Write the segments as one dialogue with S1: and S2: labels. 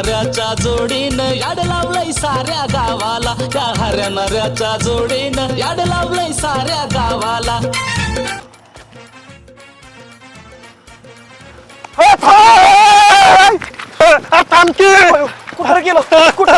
S1: नऱ्याच्या जोडीनं याड लावलंय साऱ्या गावाला, त्या हऱ्या नऱ्याच्या जोडीनं याड लावलंय साऱ्या गावाला.
S2: कुठं गेलो कुठं?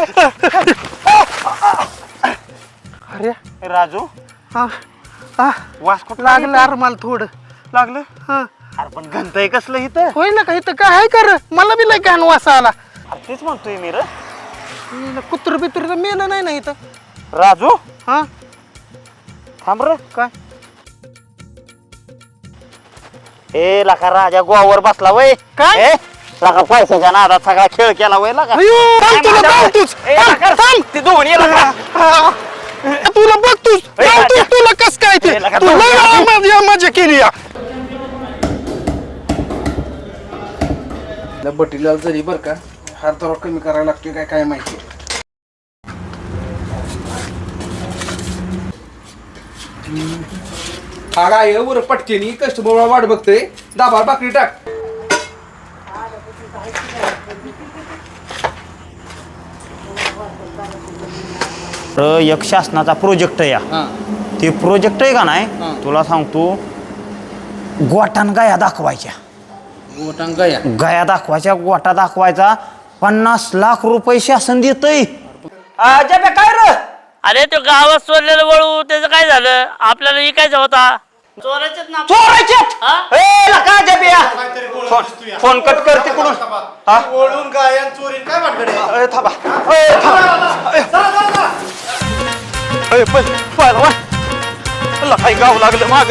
S2: अरे राजू वास कुठं
S3: लागलं अरे मला थोडं
S2: लागलं? अरे पण घंट आहे कसलं इथं?
S3: होईल ना का इथं काय आहे कर मला बी लय घाण वास आला.
S2: अरे तेच म्हणतोय मी रे.
S3: कुत्र बित्र तर मेलं नाही ना इथं.
S2: राजू
S3: हा
S2: थांब रे.
S3: काय
S2: ए लका राजा गोवावर बसला वय
S3: काय?
S2: ए, लका पैशाच्या नादात सगळा खेळ केला वय लका.
S3: अयो, थांब तुला बघतोच.
S2: ए, लका,
S3: थांब.
S2: ते दोन ये लका.
S3: तुला बघतोस
S2: ए, राजा.
S3: तुला कस काय ते
S2: ए, लका,
S3: तुला मजा केली या.
S4: बटीला जरी बर का हात जरा कमी करायला लागतोय काय काय माहिती. हा काय वर पटकेनी कस्टमर वाट बघतोय. दाबा बाकरी टाक.
S2: एक शासनाचा प्रोजेक्ट या ते प्रोजेक्ट आहे का नाही तुला सांगतो. गोटान गाया दाखवायच्या, गाया दाखवायच्या, गोटा दाखवायचा. 50 लाख रुपये शासन देतय. काय रे?
S5: अरे तो गावात सोडलेलं वळू त्याचं काय झालं? आपल्याला इकायचा होता. चोराच्यात ना
S2: फोन कट कर तिकडून.
S6: ओळून गायन चोरीन काय वाटत?
S2: थांबा. काही गाव लागलं माग.